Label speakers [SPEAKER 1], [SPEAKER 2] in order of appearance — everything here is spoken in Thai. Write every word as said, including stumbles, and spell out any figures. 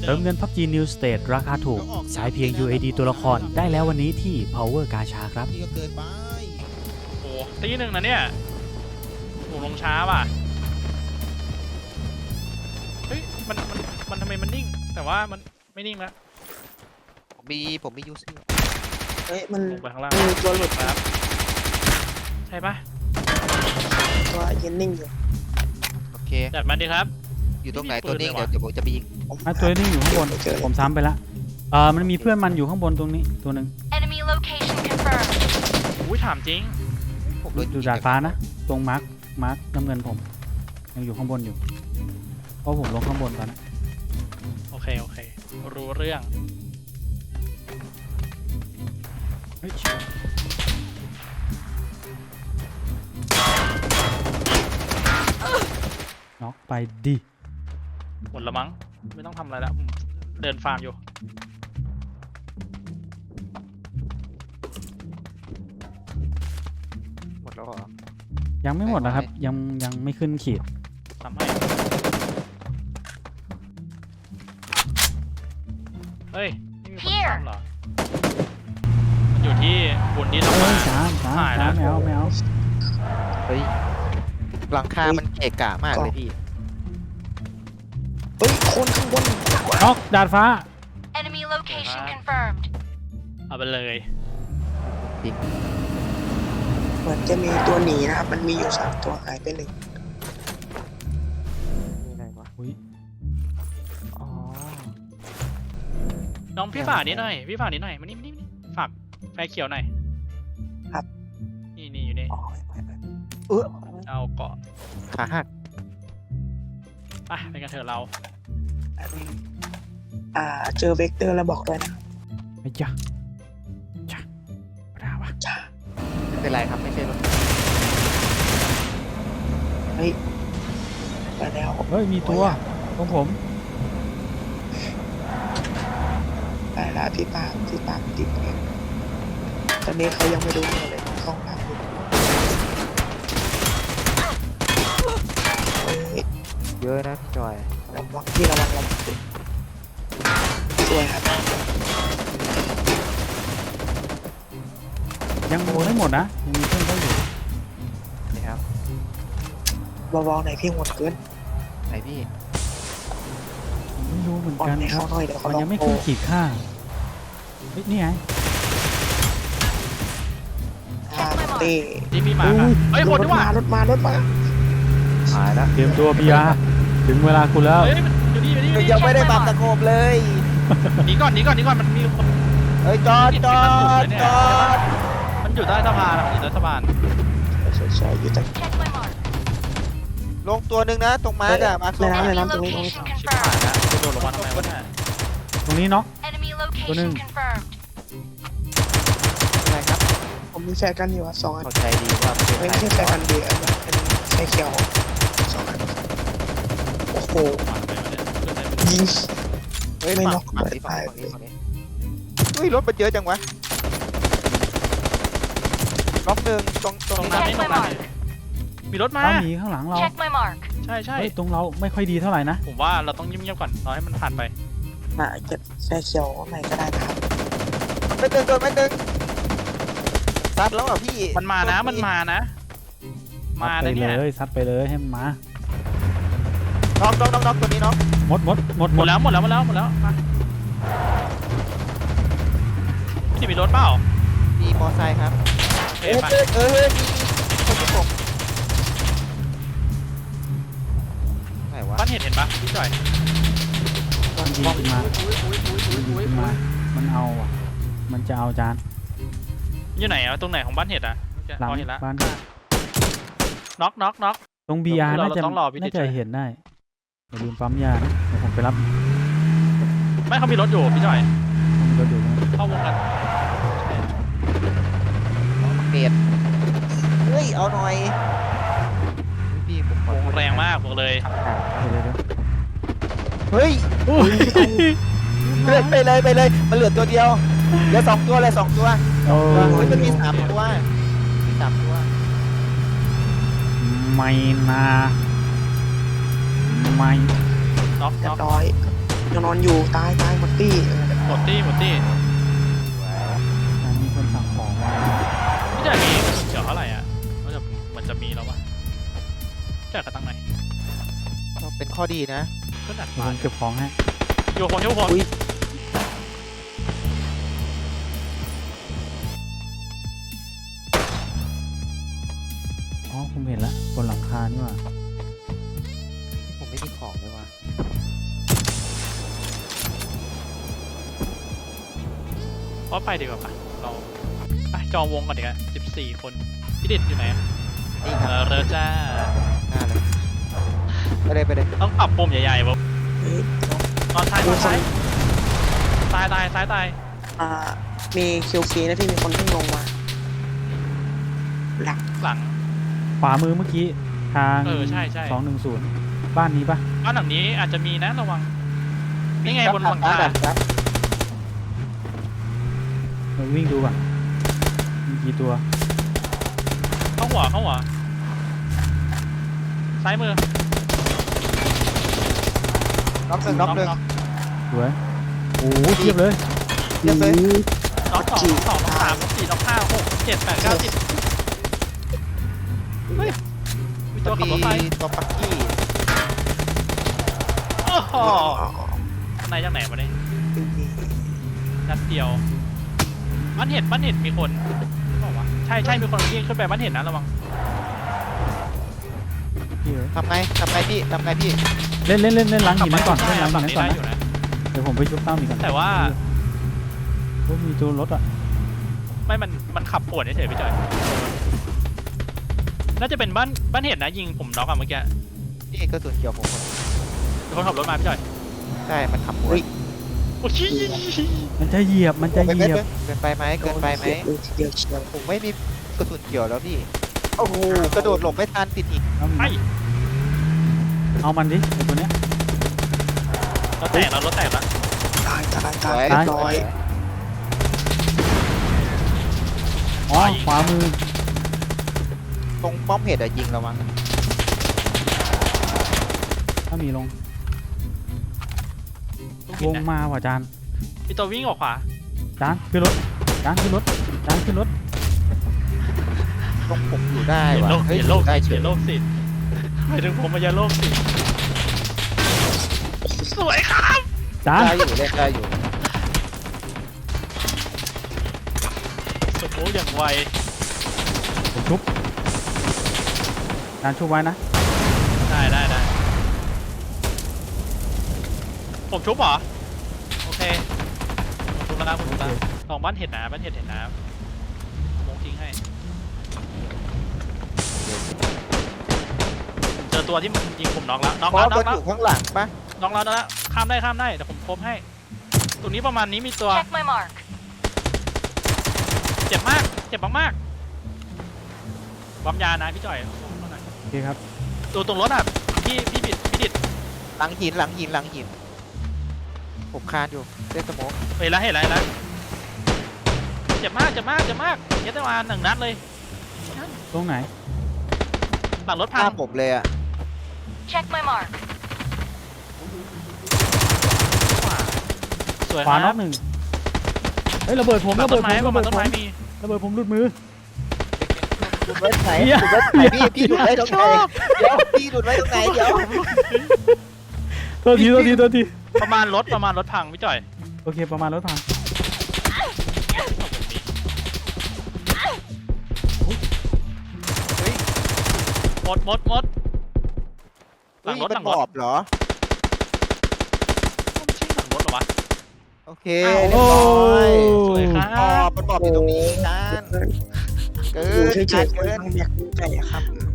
[SPEAKER 1] เติมเงิน พับจี New State ราคาถูกใช้เพียง ยู เอ ดี ตัวละครได้แล้ววันนี้ที่ Power Gacha ครับ
[SPEAKER 2] นี่ก็เกินไป
[SPEAKER 3] โอ้ตีหนึ่งนะเนี่ยผมลงช้าว่ะเฮ้ยมันมันมันทำไมมันนิ่งแต่ว่ามันไม่นิ่งแล้ว
[SPEAKER 4] ผมมีผมมียูซี่
[SPEAKER 5] เฮ้ยมัน
[SPEAKER 3] ลงไปข้างล่าง
[SPEAKER 5] มันมีตัวหลุด
[SPEAKER 3] ครับใช่ปะ
[SPEAKER 5] ตัวยืนนิ่งอยู่
[SPEAKER 4] โอเค
[SPEAKER 3] จัดมันดีครับ
[SPEAKER 4] อยู่ตรงไหน
[SPEAKER 3] ไม่มี
[SPEAKER 4] ตัวนี้
[SPEAKER 3] ปืนเลย
[SPEAKER 4] เดี๋ยว
[SPEAKER 3] ว่ะ
[SPEAKER 4] เดี๋ยวผมจะไปยิง
[SPEAKER 5] ผม
[SPEAKER 1] อ่ะตัวนี้อยู่ข้างบน
[SPEAKER 5] เจอ
[SPEAKER 1] ผมซ้ำไปละเออมันมีเพื่อนมันอยู่ข้างบนตรงนี้ตัวหนึ่ง
[SPEAKER 6] Enemy location confirmed.
[SPEAKER 3] อุ้ยถามจริง
[SPEAKER 4] ผมโดน
[SPEAKER 1] อยู่ดาดฟ้านะตรงมาร์คมาร์คน้ำเงินผมยังอยู่ข้างบนอยู่เพราะผมลงข้างบนตอนนั้น
[SPEAKER 3] โอเคโอเครู้เรื่อง
[SPEAKER 1] เฮ้ยน็อกไปดิ
[SPEAKER 3] หมดละมั้งไม่ต้องทำอะไรแล้วผมเดินฟาร์มอยู่
[SPEAKER 4] หมดแล้วเหรอ
[SPEAKER 1] ยังไม่หมดนะครับ ยังยังไม่ขึ้นขีด
[SPEAKER 3] ทำให้เฮ้ยนี่มีคนทำเหรอมันอยู่ที่บุญที่ทำ
[SPEAKER 1] เฮ้
[SPEAKER 3] มาย
[SPEAKER 1] สามสาม
[SPEAKER 3] หายแล้
[SPEAKER 1] สาว มแมวแมว
[SPEAKER 4] เฮ้ยหลังคามันเกะกะมากเลยพี่
[SPEAKER 5] เฮ้ยคนข้างบน
[SPEAKER 1] น็อกดาดฟ้า
[SPEAKER 6] Enemy location confirmed.
[SPEAKER 3] เอาไปเลย
[SPEAKER 5] เหมือนจะมีตัวหนีนะครับมันมีอยู่สามตัวหายไปหนึ่ง
[SPEAKER 4] มีอะไรวะ
[SPEAKER 1] อุ้ย
[SPEAKER 4] อ๋อ
[SPEAKER 3] น้องพี่ฝากนี้หน่อยพี่ฝากนี้หน่อยมานี่มานี่มานี่ฝากไฟเขียวหน่อยนี่นี่อยู่นี่
[SPEAKER 5] อ๋อไปไป
[SPEAKER 4] เออ
[SPEAKER 3] เอาเกาะ
[SPEAKER 4] ขาหัก
[SPEAKER 3] ไปไปกันเถอะเรา
[SPEAKER 5] อันนี้อ่าเจอเวกเตอร์แล้วบอกด้วยนะ
[SPEAKER 1] ไอ้จ้ะจ้ะไม่ได้วะ
[SPEAKER 5] จ้า
[SPEAKER 4] ไม่เป็นไรครับไม่ใช่รถ
[SPEAKER 5] เฮ้ยไปแล้ว
[SPEAKER 1] เฮ้ยมีตัวของผม
[SPEAKER 5] ไปแล้วพี่ปาล์มพี่ปาล์มติดเนี่ยตอนนี้เขายังไม่รู้ตัวเลยเข้าห้องน้ำอยู่เฮ้ย
[SPEAKER 4] เยอะนะพี่จอย
[SPEAKER 5] ระวังพี่ระวังระวังสวยครับ
[SPEAKER 1] ยังไม่หมดนะยังมีเพื่อนเขาอยู่
[SPEAKER 4] นี่ครับ
[SPEAKER 5] เบาๆหน่อยพี่หมดเกิน
[SPEAKER 4] ไหนพี่
[SPEAKER 1] ไม่รู้เหมือน
[SPEAKER 5] อ่อน
[SPEAKER 1] กัน
[SPEAKER 5] ให้
[SPEAKER 1] ครั
[SPEAKER 5] เขา
[SPEAKER 1] บ
[SPEAKER 5] หน่อยเดี๋ยวเขา
[SPEAKER 1] มัน
[SPEAKER 5] ลอ
[SPEAKER 1] ยัง
[SPEAKER 5] ง
[SPEAKER 1] ไม่
[SPEAKER 5] โต
[SPEAKER 1] ขึ้นขีดค่าเฮ้ยนี่ไง
[SPEAKER 5] อ่าเต้
[SPEAKER 3] นี่มีหมาค่ะเฮ้ยคน
[SPEAKER 5] ร
[SPEAKER 3] ด้
[SPEAKER 5] ถ
[SPEAKER 3] วย
[SPEAKER 5] มา
[SPEAKER 3] ว่ะ
[SPEAKER 5] รถมารถมา
[SPEAKER 4] หายแล้ว
[SPEAKER 1] เตรียมตัวพีอาร์ถึงเวลาคุณแล้ว
[SPEAKER 3] เฮ้ยมันอยู่นี่อยู่นี่อยู่นี่
[SPEAKER 4] ยังไม่ได้ปรับตะโขบเลย
[SPEAKER 3] หนีก่อนหนีก่อนหนีก่อนมันมีคน
[SPEAKER 4] เฮ้ยจอดจอดจอด
[SPEAKER 3] มันอยู่ใต้สะพานอะมันอยู่ใต้สะพาน
[SPEAKER 5] ใช่ใช่อยู่แต่
[SPEAKER 6] Check my mark.
[SPEAKER 4] ลงตัวหนึ่งนะตรงมาร์กอะมาร์ก
[SPEAKER 5] ในน้ำใน
[SPEAKER 6] Enemy
[SPEAKER 5] น้ำตรงนี้ตรงนี้
[SPEAKER 6] location
[SPEAKER 3] ชิบหาย
[SPEAKER 6] confirmed.
[SPEAKER 3] แล้วจะโดนลงมาทำไมวะเนี่ย
[SPEAKER 1] ตรงนี้เนาะ
[SPEAKER 6] Enemy location
[SPEAKER 1] Tuấn.
[SPEAKER 6] confirmed.
[SPEAKER 4] อะไรครับ
[SPEAKER 5] ผมมีแฟกันอยู่อ่ะสองอัน
[SPEAKER 4] เข้าใจดีว่าเป็น
[SPEAKER 5] ไม่
[SPEAKER 4] ใคร
[SPEAKER 5] ใช่แฟกันเดียวอันนี้เป็นแฟเขียวสองอันโอ้โห
[SPEAKER 3] มาทำไมวะเนี่ย
[SPEAKER 5] ยิง
[SPEAKER 4] เฮ้ย
[SPEAKER 5] ไม่
[SPEAKER 4] ฝั่ง
[SPEAKER 5] น็อก
[SPEAKER 4] ฝั่งนี้
[SPEAKER 5] ไม่
[SPEAKER 4] ฝั่งนี้
[SPEAKER 5] ตาย
[SPEAKER 4] ฝั่งนี้เฮ้ยรถมันเยอะจังวะล็อกหนึ่งตรงต
[SPEAKER 3] ต
[SPEAKER 4] ร
[SPEAKER 3] รง งนั้น
[SPEAKER 4] นั้น
[SPEAKER 3] ไม่ตรงนั้นมีรถมา
[SPEAKER 1] เราหนีข้างหลังเรา
[SPEAKER 6] Check my mark.
[SPEAKER 3] ใช่ใช่
[SPEAKER 1] เฮ้ยตรงเราไม่ค่อยดีเท่าไหร่นะ
[SPEAKER 3] ผมว่าเราต้องเงียบๆก่อนรอให้มันผ่านไป
[SPEAKER 5] มาเก็บแฟเขียวใหม่ก็ได้นะครับ
[SPEAKER 4] ไม่ตึงโดนไม่ตึงซัดแล้วอ่ะพี่
[SPEAKER 3] มันมานะมันมานะ มา
[SPEAKER 1] ซัดไป
[SPEAKER 3] นะเนี่ย
[SPEAKER 1] เลยซัดไปเลยให้มันมา
[SPEAKER 4] น้องน้องน้องน้องตัวนี้น้อง
[SPEAKER 1] หมดหมดหมด
[SPEAKER 3] ห
[SPEAKER 1] ห
[SPEAKER 3] ม
[SPEAKER 1] ม
[SPEAKER 3] ด
[SPEAKER 1] ด
[SPEAKER 3] แล้วหมดแล้วหมดแล้วหมดแล้วมาพี่มีรถเปล่า
[SPEAKER 4] มีมอไซค์ครับ
[SPEAKER 3] โอเค
[SPEAKER 4] เออ
[SPEAKER 3] ไป
[SPEAKER 4] เออเออมีมีคนประกบไหนวะ
[SPEAKER 3] บ้านเห็ดเห็นปะพี่จ่อย
[SPEAKER 1] มันยิงขึ้นมา
[SPEAKER 3] อุ้ยอุ้ยอุ้ยอุ้ย
[SPEAKER 1] มันยิง
[SPEAKER 3] อุ้ย
[SPEAKER 1] ขึ้นมามันเอาอ่ะมันจะเอาจาน
[SPEAKER 3] อยู่ไหนอะตรงไหนของบ้านเห็ดอะ
[SPEAKER 1] หลัง
[SPEAKER 3] อ๋อเห็นละ
[SPEAKER 1] บ้าน
[SPEAKER 3] น็อกน็อกน็อก
[SPEAKER 1] ตรงบีอาร์
[SPEAKER 3] เรา
[SPEAKER 1] น่าจะ
[SPEAKER 3] ต้องรอพี่
[SPEAKER 1] น่า
[SPEAKER 3] ติด
[SPEAKER 1] จะ
[SPEAKER 3] ใจ
[SPEAKER 1] เห็นได้อย่าลืมปั๊มยานะเดี๋ยวผมไปรับ
[SPEAKER 3] ไม่เขามีรถอยู่พี่จ่อย
[SPEAKER 1] ผมก็อยู่นะ
[SPEAKER 3] เข้าวงกัน
[SPEAKER 4] เมดเฮ้ยเอาหน่อยพี่ผมขอ
[SPEAKER 3] วงแรงมากบอกเลย
[SPEAKER 1] เดี๋ยวเดี๋ยวเดี๋ยว
[SPEAKER 4] เฮ้ย
[SPEAKER 1] อุ้ย
[SPEAKER 4] เลือดไปเลยไปเลยมันเหลือตัวเดียวเหลือสองตัวเลยสองตัว
[SPEAKER 1] โอ้
[SPEAKER 4] เฮ้ยมันมีสามตัวมีสามตัว
[SPEAKER 1] ไม่นะไม่
[SPEAKER 3] น็อก
[SPEAKER 5] เรีย
[SPEAKER 3] น็อบ ก
[SPEAKER 5] ร้อยยังนอนอยู่ตายตายหมดตี้เออ
[SPEAKER 3] หมดตี้หมดตี้
[SPEAKER 1] อ่ามีคนสั่งของมา
[SPEAKER 3] พี่จ่ายมีกระสุนเขียวเท่าไหร่อ่ะมันจะมันจะมีแล้ววะจ่ายกระตังไหน
[SPEAKER 4] ก็เป็นข้อดีนะ
[SPEAKER 3] ก็หนัก
[SPEAKER 1] เดี๋ยว
[SPEAKER 3] มา
[SPEAKER 1] ผมเก็บของให้
[SPEAKER 3] อยู่คนอยู่คน
[SPEAKER 5] อุ้ย
[SPEAKER 1] อ๋อผมเห็นแล้วบนหลังคานี่หว่า
[SPEAKER 4] ผมไม่มีของเลยว่ะ
[SPEAKER 3] เพราะไปดีกว่าปะเราไปจองวงก่อนดีกว่าสิบสี่คนพี่ดิดอยู่ไหนอะ
[SPEAKER 4] นี่ค
[SPEAKER 3] เอ
[SPEAKER 4] รับ
[SPEAKER 3] อเรอจ้า
[SPEAKER 4] หน้าเลยไปเลยไปเลย
[SPEAKER 3] ต้องปรับปุ่มใหญ่ๆแบบ
[SPEAKER 5] เฮ้ย
[SPEAKER 3] นอนซ้ายนอนซ้ายตายตายซ้ายตาย
[SPEAKER 5] อ่ามีคิวฟีนะพี่มีคนเพิ่งลงมาหลัก
[SPEAKER 3] หลัง
[SPEAKER 1] ขวามือเมื่อกี้ทาง
[SPEAKER 3] เออใช่ใช่
[SPEAKER 1] สองหนึ่งศูนย์บ้านนี้ปะ
[SPEAKER 3] บ้านหลังนี้อาจจะมีนะระวังนี่ไงบนหลังคา
[SPEAKER 4] ครับ
[SPEAKER 1] เราวิ่งดูก่อนมีกี่ตัว
[SPEAKER 3] เข้าหัวเข้าหัวซ้ายมือ
[SPEAKER 4] น็อกหนึ่งน็อกหนึ่ง
[SPEAKER 1] สวยโอ้โหเทียบเลย
[SPEAKER 4] เทียบเลย
[SPEAKER 3] น็อกสองน็อกสองน็อกสามน็อกสี่น็อกห้าหกเจ็ดแปดเก้าสิบเฮ้ยมีตัวขับรถไฟ
[SPEAKER 4] มีตัวปักกี้
[SPEAKER 3] โอ้โหข้างในจากไหนมาเนี่ยนัดเดียวบ้านเห็ดบ้านเห็ดมีคนบอกว่าใช่ใช่มีคนยิงขึ้นไปบ้านเห็ดนะระวัง
[SPEAKER 1] พี่เอ้ย
[SPEAKER 4] ทำไงทำไงพี่ทำไงพี่
[SPEAKER 1] เล่นเล่นเล่นเล่นล้างหินนั้นก่อน
[SPEAKER 3] ใช่
[SPEAKER 1] เล่นล้าง
[SPEAKER 3] ฝั่
[SPEAKER 1] หิ
[SPEAKER 3] ง
[SPEAKER 1] นนั้น
[SPEAKER 3] นี้
[SPEAKER 1] ก่อน
[SPEAKER 3] ได้
[SPEAKER 1] นะ
[SPEAKER 3] อยู่นะ
[SPEAKER 1] เดี๋ยวผมไปชุบตั้มอีกก่อน
[SPEAKER 3] แต่ว่า
[SPEAKER 1] โอ้มีตัวรถอ่ะ
[SPEAKER 3] ไม่มันมันขับปวดเฉยๆพี่จอยน่าจะเป็นบ้านบ้านเห็ดนะยิงผมน็อกอะเมื่อกี้
[SPEAKER 4] นี่กระสุนเกี่ยวผมหมด
[SPEAKER 3] มีคนขับรถมาพี่จอย
[SPEAKER 4] ใช่มันขับหัว
[SPEAKER 3] โอ้ย
[SPEAKER 1] มันจะเหยียบมันจะเหยียบ
[SPEAKER 4] เกินไปไหมเกินไปไหม
[SPEAKER 5] โดนทีเดียวเชียว
[SPEAKER 4] ผมไม่มีกระสุนเกี่ยวแล้วพี่โอ้โหกระโดดหลบไม่ทันติดหิน
[SPEAKER 1] เอา
[SPEAKER 3] ไป
[SPEAKER 1] เอามันดิไอ้ตัวเนี้ย
[SPEAKER 3] รถแตกแล้วรถแตกแล้ว
[SPEAKER 5] ตายตาย
[SPEAKER 4] ส
[SPEAKER 5] ตา
[SPEAKER 4] วย ย
[SPEAKER 5] เรียบร้อย
[SPEAKER 1] อ๋อขวามือ
[SPEAKER 4] ตรงป้อมเห็ดอะยิงระวัง
[SPEAKER 1] ถ้ามีลง
[SPEAKER 3] ต้อง
[SPEAKER 1] ว
[SPEAKER 3] กิน
[SPEAKER 1] ง
[SPEAKER 3] นะ
[SPEAKER 1] มาว่ะจาน
[SPEAKER 3] มีตัววิ่งออกขวา
[SPEAKER 1] จานขึ้นรถจานขึ้นรถจานขึ้นรถ
[SPEAKER 4] ตรงผมอยู่ได้
[SPEAKER 3] เห็น
[SPEAKER 4] ว่ะ
[SPEAKER 3] โลก
[SPEAKER 4] เฮ้ย
[SPEAKER 3] เห็นโลก
[SPEAKER 4] ได้เฉ
[SPEAKER 3] เห็
[SPEAKER 4] ย
[SPEAKER 3] นโลกสิหมายถึงผมมันจะโลกสิสวยครับ
[SPEAKER 1] จาน
[SPEAKER 4] ได้อยู่เล่นได้อยู่
[SPEAKER 3] สมองอย่างไว
[SPEAKER 1] ผมชุบจานชุบไว้นะ
[SPEAKER 3] ได้ได้ได้ผมชุบเหรอโอเคผมชุบแล้วนะผมชุบแล้วลองบ้านเห็ดนะบ้านเห็ดเห็นน้ำมงทิ้งให้เจอตัวที่มันยิงผมน็อกแล้วน็อก
[SPEAKER 4] เพ
[SPEAKER 3] แล้ว
[SPEAKER 4] ราะ
[SPEAKER 3] น็
[SPEAKER 4] มั
[SPEAKER 3] อน กแล้
[SPEAKER 4] อ
[SPEAKER 3] ว
[SPEAKER 4] ยู่ข้างหลังปะ
[SPEAKER 3] น็อกแล้วน็อกแล้วข้ามได้ข้ามได้แต่ผมครบให้ตรงนี้ประมาณนี้มีตัว
[SPEAKER 6] Check my mark.
[SPEAKER 3] เจ็บมากเจ็บมากๆความยานะพี่จ่อย
[SPEAKER 1] โอเคครับ
[SPEAKER 3] ตัวตรงรถอ่ะพี่พี่บิดพี่ดิด
[SPEAKER 4] หลังหินหลังหินหลังหินผมคานอยู่เล่นสโมก
[SPEAKER 3] เห็นแล้วเห็นแล้วเห็นแล้วเจ็บมากเจ็บมากเจ็บมากเย็ดได้มาหนึ่งนัดเลย
[SPEAKER 1] ตรงไหน
[SPEAKER 3] หลังรถ
[SPEAKER 4] ห
[SPEAKER 3] พัง
[SPEAKER 4] น้าผมเลยอะ
[SPEAKER 6] Check my mark.
[SPEAKER 3] สวย
[SPEAKER 1] ขวา
[SPEAKER 3] ค
[SPEAKER 1] น็
[SPEAKER 3] รั
[SPEAKER 1] อบ กหนึ่งเฮ้ยระเบิดผม
[SPEAKER 3] หลั
[SPEAKER 1] ระ
[SPEAKER 3] ง
[SPEAKER 1] เบิ
[SPEAKER 3] ต้
[SPEAKER 1] ด
[SPEAKER 3] น
[SPEAKER 1] ผ
[SPEAKER 3] ไม้
[SPEAKER 1] ม
[SPEAKER 3] ประ
[SPEAKER 1] ระ
[SPEAKER 3] มา
[SPEAKER 1] เบิ
[SPEAKER 3] ณ
[SPEAKER 1] ด
[SPEAKER 3] ต้
[SPEAKER 1] ผ
[SPEAKER 3] น
[SPEAKER 1] ม
[SPEAKER 3] ไม้มี
[SPEAKER 1] ระเบิดผมหลุดมือ
[SPEAKER 4] ดูดไว้ตรงไหน
[SPEAKER 1] เหี้ย
[SPEAKER 4] ดูดไว้ตรงไหนพี่พี่ดูดไว้ตรงไหนเดี๋ยวพี่ดูดไว้ตรงไหนเดี๋ยว
[SPEAKER 1] ตัวทีตัวทีตัวที
[SPEAKER 3] ประมาณรถประมาณรถพังพี่จ่อย
[SPEAKER 1] โอเคประมาณรถพัง
[SPEAKER 3] หมดหมดหมดหลังรถ
[SPEAKER 4] เฮ้ย
[SPEAKER 3] หลั
[SPEAKER 4] มัน
[SPEAKER 3] ง
[SPEAKER 4] บ
[SPEAKER 3] รถ
[SPEAKER 4] อบเหรอ
[SPEAKER 3] ไม่ใช่หลังรถเหรอวะ
[SPEAKER 4] โอเค
[SPEAKER 3] อ้าว
[SPEAKER 4] เรียบร้อย
[SPEAKER 3] สวยครับ
[SPEAKER 4] บอบมันบอบอยู่ตรงนี้จาน
[SPEAKER 5] เกิน
[SPEAKER 4] เกิ
[SPEAKER 5] อยู่
[SPEAKER 4] น
[SPEAKER 5] เฉ
[SPEAKER 4] จาย น
[SPEAKER 5] ๆ
[SPEAKER 4] เกิน
[SPEAKER 5] มันอยากดูใจอะครับ